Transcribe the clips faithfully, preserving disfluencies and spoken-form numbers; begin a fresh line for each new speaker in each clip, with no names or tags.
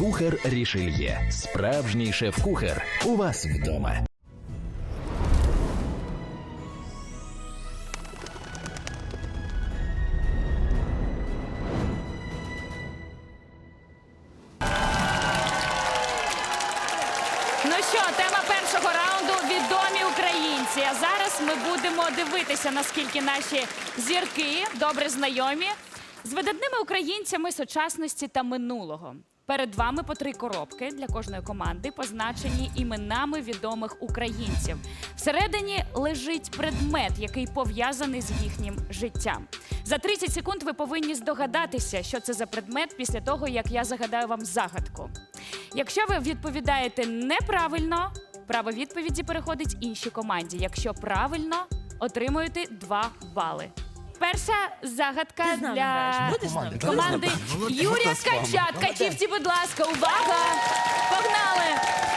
Кухар Рішельє. Справжній шеф-кухар у вас вдома.
Ну що, тема першого раунду – відомі українці. А зараз ми будемо дивитися, наскільки наші зірки добре знайомі з видатними українцями сучасності та минулого. Перед вами по три коробки для кожної команди, позначені іменами відомих українців. Всередині лежить предмет, який пов'язаний з їхнім життям. За тридцять секунд ви повинні здогадатися, що це за предмет після того, як я загадаю вам загадку. Якщо ви відповідаєте неправильно, право відповіді переходить іншій команді. Якщо правильно, отримуєте два бали. Перша загадка
Ти з нами
для
граєш? Будеш з нами?
команди Юрія Ткача. Ткачівці, будь ласка, увага! Погнали!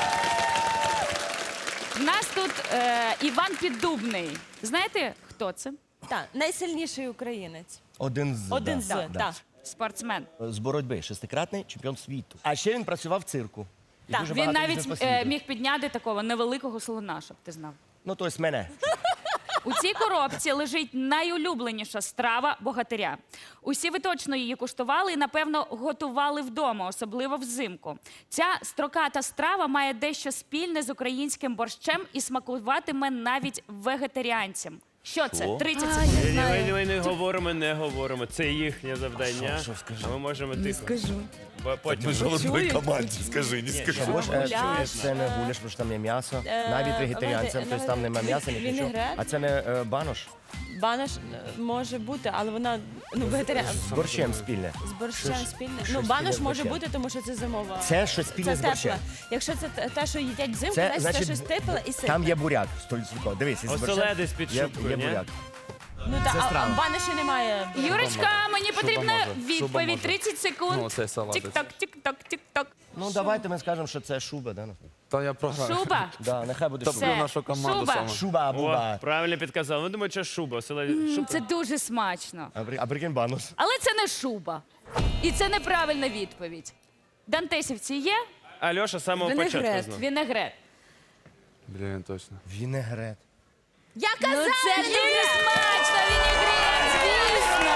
В нас тут е, Іван Піддубний. Знаєте, хто це?
Так, найсильніший українець.
Один з.
Один
да.
з,
Да.
так.
Спортсмен.
З боротьби, шестикратний чемпіон світу. А ще він працював в цирку. І
Так,
дуже
Він
багато
навіть
їздив по
е,
світу.
міг підняти такого невеликого слона, щоб ти знав.
Ну, тобто мене.
У цій коробці лежить найулюбленіша страва богатиря. Усі ви точно її куштували і, напевно, готували вдома, особливо взимку. Ця строката страва має дещо спільне з українським борщем і смакуватиме навіть вегетаріанцям. Що це? тридцять секунд.
Ні, ні, ми, ми не говоримо, не говоримо. Це їхнє завдання.
Що, що скажи?
А ми можемо тихо.
Скажу.
Бо Потім.
Ми ж в одній команді, скажи, не скажи.
Що, бож, е,
Гуляш.
це не гуляш, тому що там є м'ясо. Навіть вегетаріанцям,
навіть-
тобто там немає м'яса, ні нічого.
вінегрет.
А це не е, банош?
Банаш е, може бути, але вона ну, вегетаріан.
З борщем спільне.
З борщем
Щось-
спільне.
щось
Ну,
спільне
банаш
з
може
борщем.
бути, тому що це зимова.
Це щось спільне
Це
з борщем.
тепле. Якщо це те- те, що їдять взимку,
Це,
значить,
значить,
це щось тепле і ситне.
там є буряк, сто відсотків. Дивись, із борщем
Оселедець під
є,
шубкою,
є
ні?
буряк.
Ну, та,
це
а,
страва.
а банаші немає.
Юрочка, мені потрібна
може, шуба
відповідь.
може.
тридцять секунд.
Ну, це салатець.
Тік-ток, тік-ток, тік-ток.
Ну, давайте ми скажемо, що це шуба, да?
Та я програю.
Шуба.
Да, нехай буде
Топлю
шуба.
Все.
нашу команду
Шуба.
саме.
Шуба,
О,
буба.
правильно підказав. Ну, думаю, що шуба. Оселедець.
М,
Шуба.
Це дуже смачно.
А, при- а прикинь банош.
Але це не шуба. І це неправильна відповідь. Дантесівці є?
Альоша з самого початку
Вінегрет.
знав.
Вінегрет.
Блін, точно.
Вінегрет.
Я
Ну
казала!
це дуже смачно, вінегрет, звісно.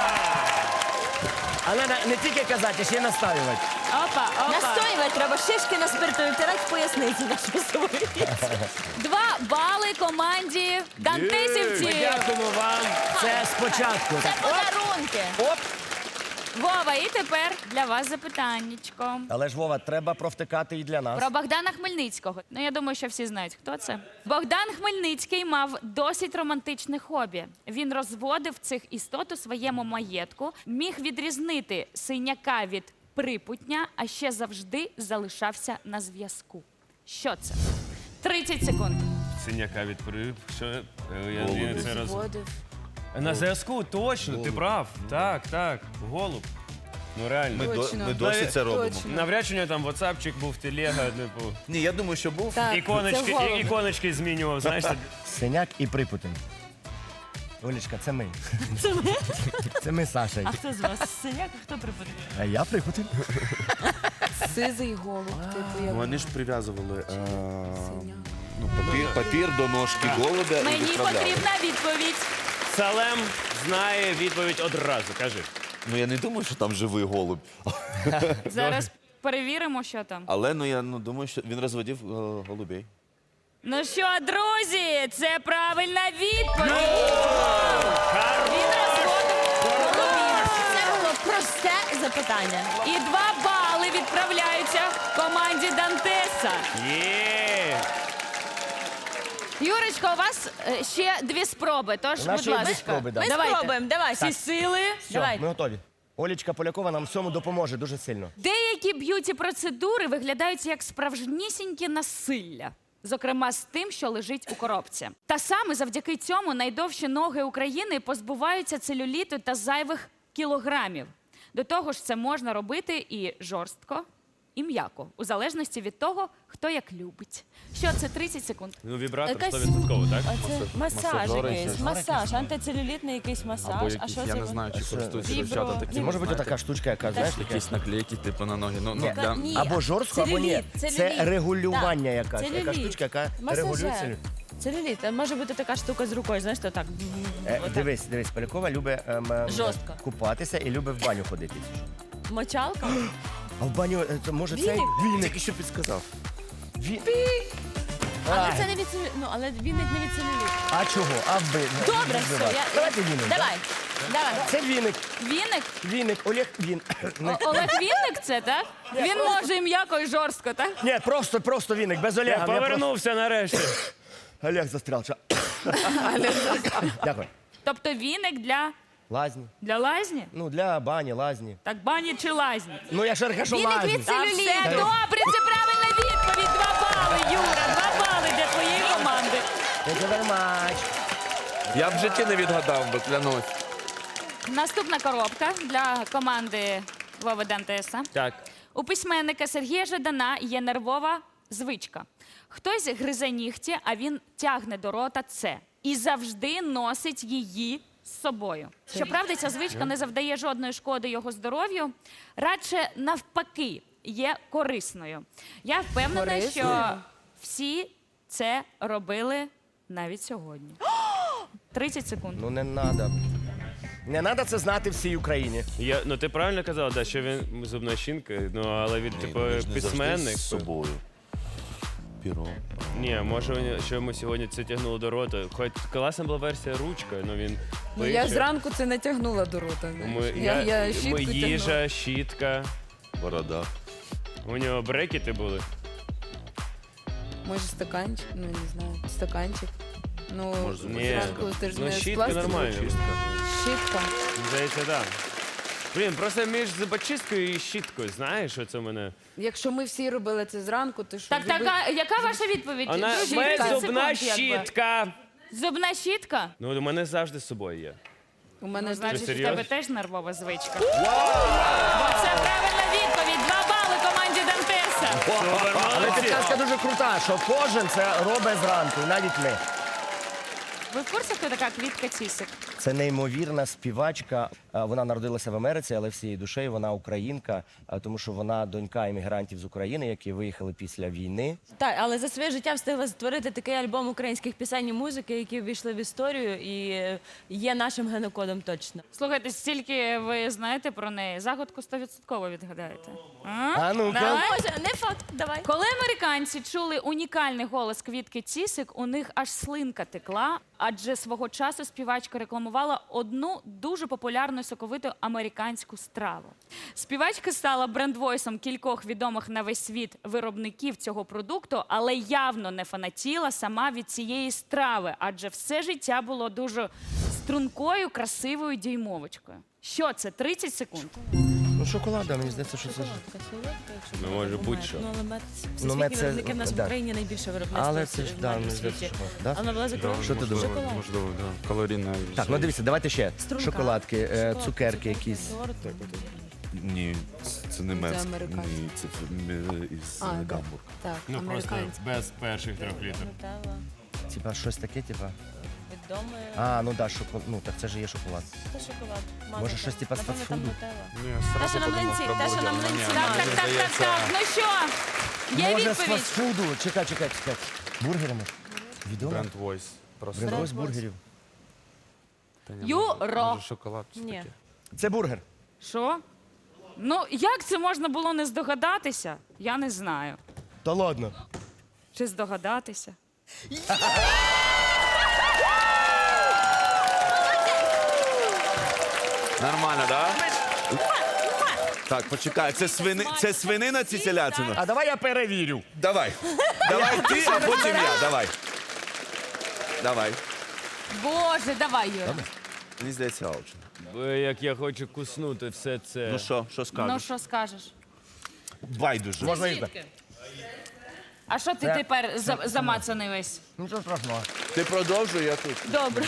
Але на- не тільки казати, ще й наставлювати.
Опа, опа.
Настоювати треба шишки на спиртові втирати в поясниці нашу собі.
Два бали команді Дантесівці.
Дякуємо вам.
Це спочатку.
Це подарунки.
Оп!
Вова, і тепер для вас запитаннячко.
Але ж, Вова, треба провтикати і для нас.
Про Богдана Хмельницького. Ну, я думаю, що всі знають, хто це. Богдан Хмельницький мав досить романтичне хобі. Він розводив цих істот у своєму маєтку, міг відрізнити синяка від припутня, а ще завжди залишався на зв'язку. Що це? тридцять секунд.
Синяка відповів. Що? Е, Я, я це роз...
Водив.
На зв'язку, точно, ти прав. Так, так. Голуб. Ну реально.
Ми, до, ми досі це робимо.
Навряд чи у нього там ватсапчик був, телега, типу.
Ні, я думаю, що був.
Іконочки,
це голуб.
і- іконочки змінював, знаєш. так.
Синяк і Припутин. Олечка, це ми. Це ми? Це ми з Сашею.
А хто з вас синяк, а хто припадає?
А я Припутин.
Сизий голуб, типу, як
Вони ж прив'язували е, ну, папір, папір до ножки голубя і
Мені
відправляли.
потрібна відповідь.
Салем знає відповідь одразу. Кажи.
Ну я не думаю, що там живий голуб.
Зараз перевіримо, що там.
Але ну я ну, думаю, що він розводив е, голубей.
Ну що, друзі, це правильна відповідь. Він розводив голубів.
Це було просте запитання.
І два бали відправляються команді Дантеса.
Є!
Юрочка, у вас е, ще дві спроби, тож,
У нас
будь
ще є дві
ласка.
спроби, да.
Ми
Давайте.
спробуємо, давай.
Всі сили.
Все,
Давай.
ми готові. Олечка Полякова нам в цьому допоможе дуже сильно.
Деякі б'юті-процедури виглядають як справжнісіньке насилля. Зокрема, з тим, що лежить у коробці. Та саме завдяки цьому найдовші ноги України позбуваються целюліту та зайвих кілограмів. До того ж, це можна робити і жорстко, і м'яко, у залежності від того, хто як любить. Що це тридцять секунд?
Ну, вібратор
Якась-
сто відсотків, так?
А це масаж
масажори
якийсь,
якісь.
масаж, антицелюлітний якийсь
Або
масаж. А
якісь,
що
я
це?
не знаю, чи
Що?
користуються
Вібро-
дівчата
Це
такими.
може бути
знаєте,
така штучка, яка, знаєш, таке?
якісь наклейки, типу, на ноги. Ну, ну,
Ні.
для...
Ні.
Або жорстко, або ні.
Целюліт,
Це
целюліт.
регулювання
Так,
якась. Яка
целюліт.
штучка, яка
Масажер.
регулює целюліт.
Целюліт. А може бути така штука з рукою, знаєш, то так.
Е,
отак.
Дивись, дивись, Полякова любить ем, ем,
Жорстко.
купатися і любить в баню ходити.
Мочалка?
А в баню, е, то може цей
Віник?
віник.
Тільки що підсказав.
Ві...
Але
Ай.
це не від целюліту. Ну, але він не від целюліту.
А чого? А ви...
Добре, все. Я...
Давайте віник.
Давай. Давай.
Це віник.
Віник?
Віник. Олег Він.
О- Олег Вінник це, так? Він може і м'яко, і жорстко, так?
Ні, просто, просто віник, без Олега.
Я
Я просто-
повернувся нарешті.
Олег застрял. Ша. Дякую.
Тобто віник для,
Лазні.
для лазні?
Ну, для бані, лазні.
Так бані чи лазні?
Ну, я ж кажу
Віник
лазні.
від
Та
целюліту.
все добре, це правильна відповідь. Два бали, Юра, два бали для твоєї команди.
Thank you very much.
Я в житті не відгадав, бо клянусь.
Наступна коробка для команди Вови Дантеса.
Так.
У письменника Сергія Жадана є нервова звичка. Хтось гризе нігті, а він тягне до рота це. І завжди носить її з собою. Щоправда, ця звичка не завдає жодної шкоди його здоров'ю, радше навпаки, є корисною. Я впевнена,
Корисною?
що всі це робили навіть сьогодні. тридцять секунд.
Ну, не надо. Не треба це знати всій Україні.
Я, ну ти правильно казав, да, що він зубна щінка, ну але він типу письменник.
з собою. Піро.
Ні, може, він- що ми сьогодні це тягнули до рота. Хоч класна була версія ручка, ну він
Ну, я
пише.
зранку це не тягнула до рота.
Ми,
знаєш.
я,
я, я
ми
щітку тягнула.
їжа, щітка.
Борода.
У нього брекети були.
Може стаканчик, ну не знаю, стаканчик. Ну,
Може, зубна
Ні.
зранку ти ж
Ну,
не з
щітка
пластику.
нормально.
Щітка.
Здається, так. Да. Блін, просто між зубочисткою і щіткою, знаєш, що це в мене?
Якщо ми всі робили це зранку, то що?
Так,
зуби-
така, яка ваша відповідь?
Вона
Друзі,
моя
тридцять
зубна
секунд, якби.
щітка.
Зубна щітка?
Ну, у мене завжди з собою є.
У мене
Ну,
знаєш,
значить, у
серйозно?
тебе теж нервова звичка. Бо це правильна відповідь. Два бали команді Дантеса.
Супер,
Але
молодці.
підказка дуже крута, що кожен це робить зранку, і навіть ми.
Ви в курсі, хто така Квітка Цісик?
Це неймовірна співачка. А, Вона народилася в Америці, але всією душею вона українка, а, тому що вона донька іммігрантів з України, які виїхали після війни.
Так, але за своє життя встигла створити такий альбом українських пісень і музики, які ввійшли в історію і е, є нашим генокодом точно.
Слухайте, стільки ви знаєте про неї. Загадку сто відсотково відгадаєте. А?
А ну-ка.
Давай.
Може, не факт, давай.
Коли американці чули унікальний голос Квітки Цісик, у них аж слинка текла, адже свого часу співачка рекламувала одну дуже популярну соковиту американську страву. Співачка стала брендвойсом кількох відомих на весь світ виробників цього продукту, але явно не фанатіла сама від цієї страви, адже все життя було дуже стрункою, красивою діймовочкою. Що це? тридцять секунд.
Ну, шоколада, мені здається, що це. ж-
Ну, може, будь-що.
Ну, але мед,
Ну,
всесвітні
мед це-
виробники в нас в
да.
Україні найбільше виробництво
Але це ж,
в
да,
меду
мені
в
здається,
світі.
що. Да?
А вона була закрила?
Що ти думаєш?
Шоколад.
Можливо, да. Калорійна.
Так, ну дивіться, давайте ще.
Струнка.
Шоколадки, е,
Шоколадки,
цукерки якісь.
торти.
Ні, це не мецьк.
американське.
Ні, це м, із
А,
е,
да.
Гамбург.
Так,
Ну, просто
американці.
без перших трьох літрів.
Нутелла.
Типа щось таке, типа.
Відоме.
А, ну да, шоколад. Ну так це ж є шоколад.
Це шоколад.
Може, щось типа з
Напевно, там
фастфуду?
нутелла.
Ну,
Те, що на млинці, те, що на млинці.
Так, так, так, так, так. Ну що? Є
Може, з
відповідь?
фастфуду. Чекай, чекай, чекай. Бургерами. Відомо?
Бренд Voice. Просто.
Бренд бургерів.
Та ні,
Юро.
може, шоколад. чи
Ні.
таке.
Це бургер.
Що? Ну, як це можна було не здогадатися? Я не знаю.
Та ладно.
Чи здогадатися?
Нормально, да? Так, почекай, це, свини... це свинина чи телятина?
А давай я перевірю.
Давай. Давай ти, а потім я. Давай. Давай.
Боже, давай, Юра.
Мені здається, аучен.
Бо як я хочу куснути все це.
Ну що, що
Ну,
скажеш?
що скажеш?
Байдуже.
Можна їсти.
А що ти
Це-
тепер за- замацаний весь?
Нічого страшного.
Ти продовжуй, я тут.
Добре.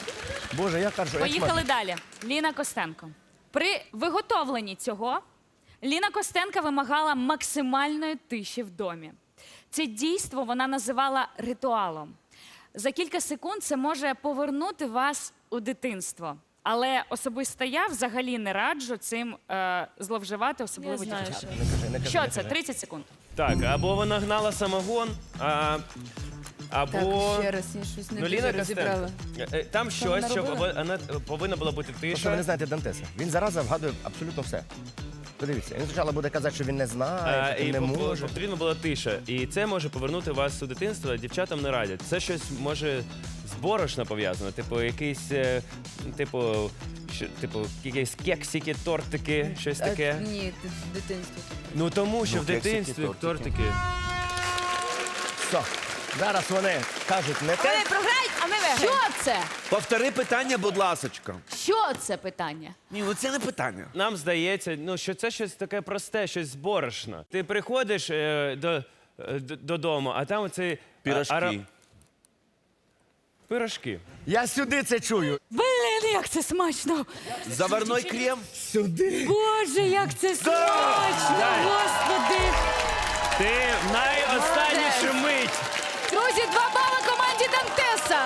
Боже, я кажу, як
Поїхали далі. Ліна Костенко. При виготовленні цього Ліна Костенко вимагала максимальної тиші в домі. Це дійство вона називала ритуалом. За кілька секунд це може повернути вас у дитинство. Але особисто я взагалі не раджу цим е, зловживати, особливо
Я знаю,
дівчатам.
що.
Не кажи, не кажи,
Що
не
це?
кажи.
тридцять секунд.
Так, або вона гнала самогон, а, або...
Так, ще раз, я щось не
Ну,
дуже
Ліна
розібрала.
Костенко. Е, Там щось,
вона
що
робила?
пове- вона повинна була бути
Просто ви
тиша.
не знаєте Дантеса. Він зараза вгадує абсолютно все. Подивіться, він спочатку буде казати, що він не знає,
А,
що
і
він не
по-
може.
потрібна була тиша. І це може повернути вас у дитинство, дівчатам не радять. Це щось може з борошна пов'язано. Типу, якийсь, е, типу, що, типу, якісь кексики, тортики, щось
А,
таке.
Ні, ти- дитинство.
Ну тому що
Ну,
в
кексики,
дитинстві
тортики.
тортики.
Все. Зараз вони кажуть не те.
Вони програють, а ми виграємо.
Що це?
Повтори питання, будь ласочка.
Що це питання?
Ні, ну це не питання.
Нам здається, ну що це щось таке просте, щось з борошна. Ти приходиш е, до, е, д- додому, а там оцей а,
Пірожки.
ара- Пирожки.
Я сюди це чую.
Блін, як це смачно!
Заварной крем.
Сюди.
Боже, як це смачно!
Дай.
Господи!
Ти в найостаннішу мить.
Друзі, два бали команді Дантеса!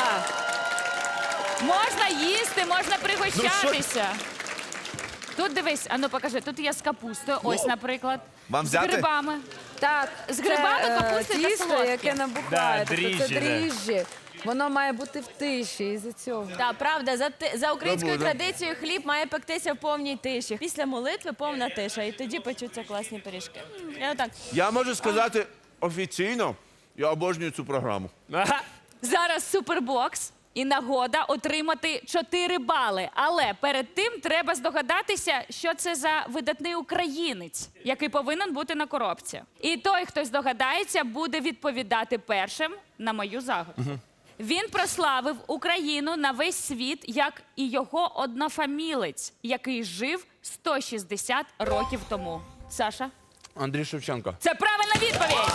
Можна їсти, можна пригощатися. Тут дивись, а ну покажи, тут є з капустою, ось, наприклад.
Вам
З
взяти?
грибами.
Так,
З грибами,
це, е,
капусти та
тісто,
солодке.
яке набухає.
Да,
тобто
дріжджі,
це
да.
дріжджі. Воно має бути в тиші із-за цього.
Так, правда, за, ти- за українською
Забуду.
традицією хліб має пектися в повній тиші. Після молитви повна тиша, і тоді печуться класні пиріжки. М, Я отак.
Я можу сказати офіційно, я обожнюю цю програму.
Ага.
Зараз супербокс і нагода отримати чотири бали. Але перед тим треба здогадатися, що це за видатний українець, який повинен бути на коробці. І той, хто здогадається, буде відповідати першим на мою загадку. Він прославив Україну на весь світ, як і його однофамілець, який жив сто шістдесят років тому. Саша?
Андрій Шевченко.
Це правильна відповідь!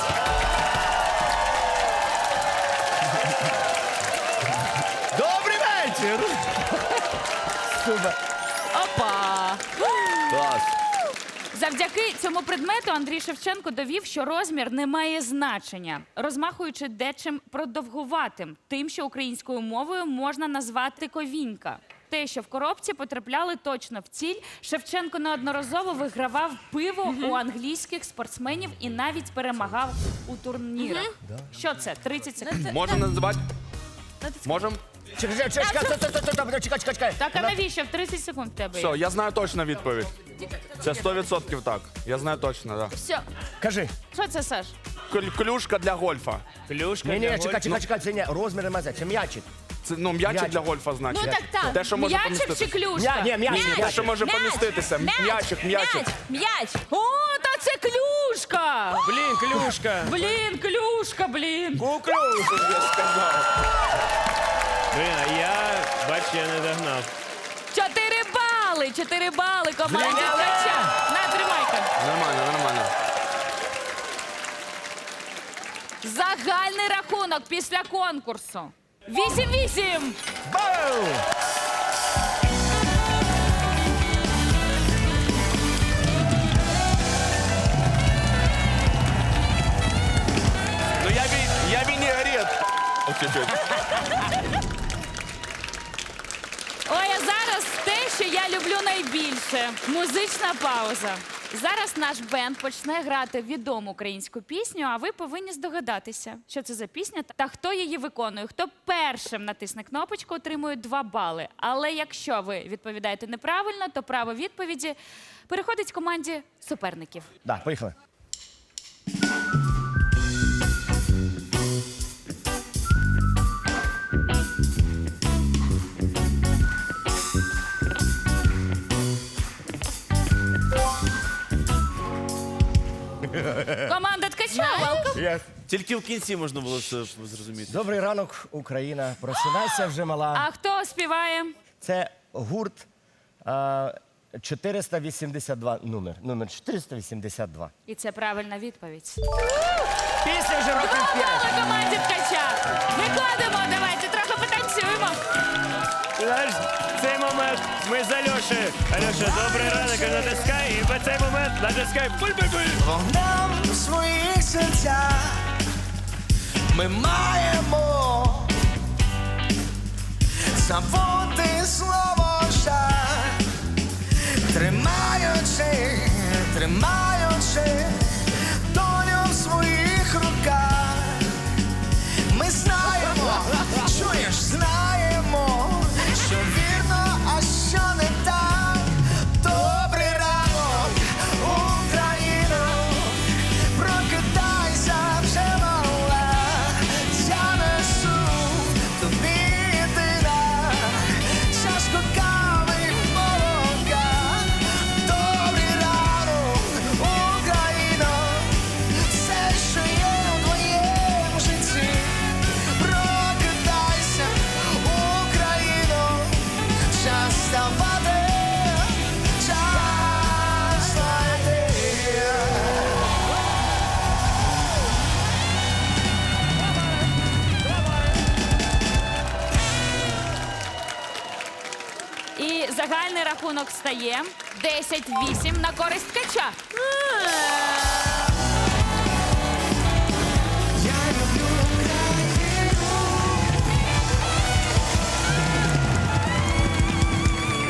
Добрий вечір! Супер.
Опа!
Клас.
Завдяки цьому предмету Андрій Шевченко довів, що розмір не має значення, розмахуючи дечим продовгуватим, тим, що українською мовою можна назвати ковінька. Те, що в коробці потрапляли точно в ціль, Шевченко неодноразово вигравав пиво у англійських спортсменів і навіть перемагав у турнірах. Що це? тридцять секунд.
Можемо називати? Можемо?
Чекай, чекай, чекай, чекай, чекай, чекай, чекай, чекай, чекай.
Так, а навіщо? В тридцять секунд в тебе
Все,
є.
я знаю точно відповідь. Це сто відсотків так. Я знаю точно, так.
Все.
Кажи.
Що це, Саш?
Да. Клюшка для гольфа.
Клюшка.
Ні,
для
ні, чекай,
гольфу.
чекай, чекай, це не розмір не мазя, це м'ячик.
Це ну м'ячик
М'ячик.
для гольфа, значить.
Ну так так.
Те, що може
М'ячик чи
поміститися.
клюшка?
Ні, ні, м'яч,
Те,
м'яч.
що може поміститися. М'ячик, м'ячик.
М'яч, м'яч.
О, та це клюшка!
Блін, клюшка.
Блін, клюшка, блін.
Куклюшку, я сказав.
Блін, а я, бач, я не догнав.
Чотири бали, чотири бали команді Ткача. На, тримайка.
Нормально, нормально.
Загальний рахунок після конкурсу. Вісім-вісім.
Бау!
Ну я, ві- я вінігрет. Ось чуть-чуть.
Ой, а зараз те, що я люблю найбільше. Музична пауза. Зараз наш бенд почне грати відому українську пісню, а ви повинні здогадатися, що це за пісня та хто її виконує. Хто першим натисне кнопочку, отримує два бали. Але якщо ви відповідаєте неправильно, то право відповіді переходить команді суперників.
Да, поїхали.
Команда Ткача, welcome.
Yes.
Тільки в кінці можна було це зрозуміти.
Добрий ранок, Україна. Просинайся вже мала.
А хто співає?
Це гурт а, чотириста вісімдесят два номер. Номер чотириста вісімдесят два.
І це правильна відповідь.
Після вже років п'ять.
На команді Ткача. Виходимо, давайте трохи потанцюємо.
Знаєш, цей момент ми з Альошею. Альоша, добрий ранок, натискай, і в цей момент натискай. Буль-буль-буль.
Вогнем у своїх серцях ми маємо забути слово жаль, тримаючи, тримаючи долю в своїх руках. Ми знаємо, чуєш, знаємо, що вірно, а що не так. Добрий ранок, Україно, прокидайся вже мала, я несу тобі єдина чашку кави й молока. Добрий ранок, Україно, все, що є у твоєму житті. Прокидайся, Україно, час вставати, час знайти.
І загальний рахунок стає десять вісім на користь ткача.